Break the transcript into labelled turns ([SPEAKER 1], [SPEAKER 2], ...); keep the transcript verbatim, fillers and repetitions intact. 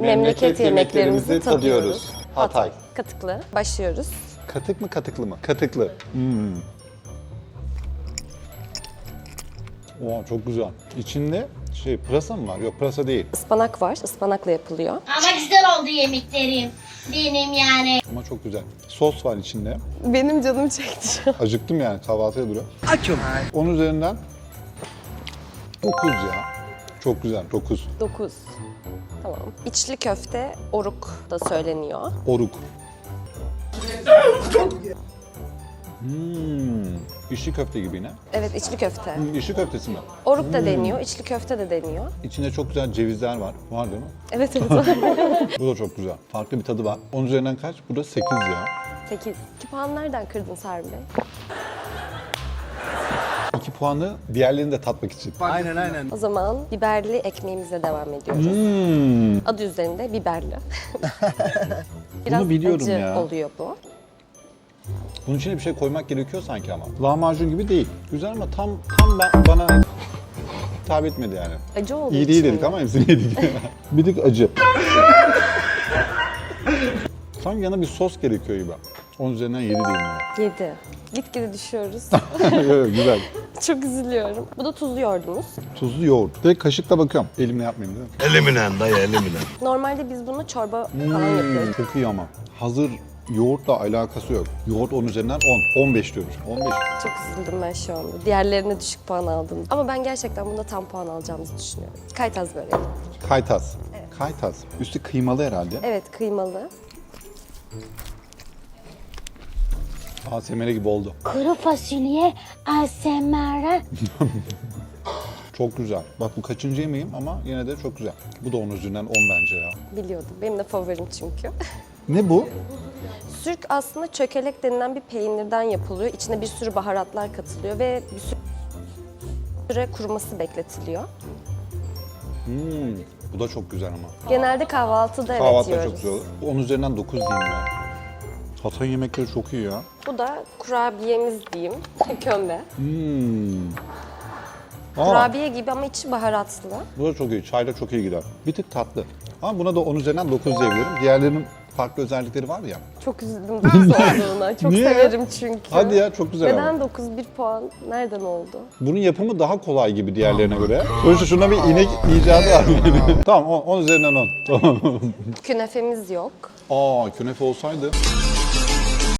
[SPEAKER 1] memleket yemeklerimizi tadıyoruz.
[SPEAKER 2] Hatay.
[SPEAKER 1] Katıklı. Başlıyoruz.
[SPEAKER 2] Katık mı katıklı mı? Katıklı. Hmm. Oha çok güzel. İçinde şey pırasa mı var? Yok pırasa değil.
[SPEAKER 1] Ispanak var. Ispanakla yapılıyor.
[SPEAKER 3] Ama güzel oldu yemeklerim. Benim yani.
[SPEAKER 2] Ama çok güzel. Sos var içinde.
[SPEAKER 1] Benim canım çekti şu an.
[SPEAKER 2] Acıktım yani kahvaltıya duruyor. Açım. Onun üzerinden dokuz ya. Çok güzel dokuz.
[SPEAKER 1] dokuz. Tamam. İçli köfte oruk da söyleniyor.
[SPEAKER 2] Oruk. Hmm. İçli köfte gibi yine.
[SPEAKER 1] Evet, içli köfte.
[SPEAKER 2] Hmm, İçli köftesi mi?
[SPEAKER 1] Oruk da deniyor, içli köfte de deniyor.
[SPEAKER 2] İçinde çok güzel cevizler var. Var değil mi?
[SPEAKER 1] Evet, evet. var.
[SPEAKER 2] Bu da çok güzel. Farklı bir tadı var. Onun üzerinden kaç? Bu da sekiz ya.
[SPEAKER 1] sekiz. İki puan nereden kırdın Sarbi Bey?
[SPEAKER 2] İki puanı diğerlerini de tatmak için.
[SPEAKER 4] Aynen aynen.
[SPEAKER 1] O zaman biberli ekmeğimize devam ediyoruz.
[SPEAKER 2] Hmm.
[SPEAKER 1] Adı üzerinde biberli. Biraz
[SPEAKER 2] Bunu biliyorum
[SPEAKER 1] acı
[SPEAKER 2] ya.
[SPEAKER 1] oluyor bu.
[SPEAKER 2] Bunun içine bir şey koymak gerekiyor sanki ama. Lahmacun gibi değil. Güzel ama tam tam ben, bana hitap etmedi yani.
[SPEAKER 1] Acı olduğu
[SPEAKER 2] İyi değil
[SPEAKER 1] için
[SPEAKER 2] dedik
[SPEAKER 1] mi?
[SPEAKER 2] ama hepsini yedik. Bir tık acı. Sanki yana bir sos gerekiyor gibi. Onun üzerinden yedi diyeyim ya.
[SPEAKER 1] Yedi. Gitgide düşüyoruz.
[SPEAKER 2] Evet, güzel.
[SPEAKER 1] Çok üzülüyorum. Bu da tuzlu yoğurdumuz.
[SPEAKER 2] Tuzlu yoğurt. Direkt kaşıkla bakıyorum. Elimle yapmayayım değil mi?
[SPEAKER 4] Eliminen dayı eliminen.
[SPEAKER 1] Normalde biz bunu çorba falan yapıyoruz.
[SPEAKER 2] Çok iyi ama. Hazır yoğurtla alakası yok. Yoğurt on üzerinden on. on beş diyormuş. on beş.
[SPEAKER 1] Çok üzüldüm ben şu anda. Diğerlerine düşük puan aldım. Ama ben gerçekten bunda tam puan alacağımızı düşünüyorum. Kaytaz böreği.
[SPEAKER 2] Kaytaz. Kaytaz. Üstü kıymalı herhalde.
[SPEAKER 1] Evet, kıymalı.
[SPEAKER 2] A S M R gibi oldu.
[SPEAKER 3] Kuru fasulye A S M R.
[SPEAKER 2] Çok güzel. Bak bu kaçıncı yemeğim ama yine de çok güzel. Bu da on üzerinden on bence ya.
[SPEAKER 1] Biliyordum. Benim de favorim çünkü.
[SPEAKER 2] Ne bu?
[SPEAKER 1] Sürk aslında çökelek denilen bir peynirden yapılıyor. İçine bir sürü baharatlar katılıyor ve bir süre kuruması bekletiliyor.
[SPEAKER 2] Hmm, bu da çok güzel ama.
[SPEAKER 1] Genelde kahvaltıda evet
[SPEAKER 2] Kahvaltıda
[SPEAKER 1] yiyoruz.
[SPEAKER 2] çok güzel olur. on üzerinden dokuz diyeyim ya. Hatay yemekleri çok iyi ya.
[SPEAKER 1] Bu da kurabiyemiz diyeyim. Kömbe.
[SPEAKER 2] Hmm. Aa,
[SPEAKER 1] Kurabiye gibi ama içi baharatlı.
[SPEAKER 2] bu da çok iyi. Çayla çok iyi gider. Bir tık tatlı. Ama buna da on üzerinden dokuz diyebilirim. Diğerlerinin farklı özellikleri var ya.
[SPEAKER 1] Çok üzüldüm dokuz olduğuna. Çok
[SPEAKER 2] Niye?
[SPEAKER 1] severim çünkü.
[SPEAKER 2] Hadi ya çok güzel ama.
[SPEAKER 1] Neden dokuz bir puan? Nereden oldu?
[SPEAKER 2] Bunun yapımı daha kolay gibi diğerlerine göre. Sonuçta şuna bir inek icadı var. Tamam on, on üzerinden on. Tamam.
[SPEAKER 1] Künefemiz yok.
[SPEAKER 2] Aa künefe olsaydı.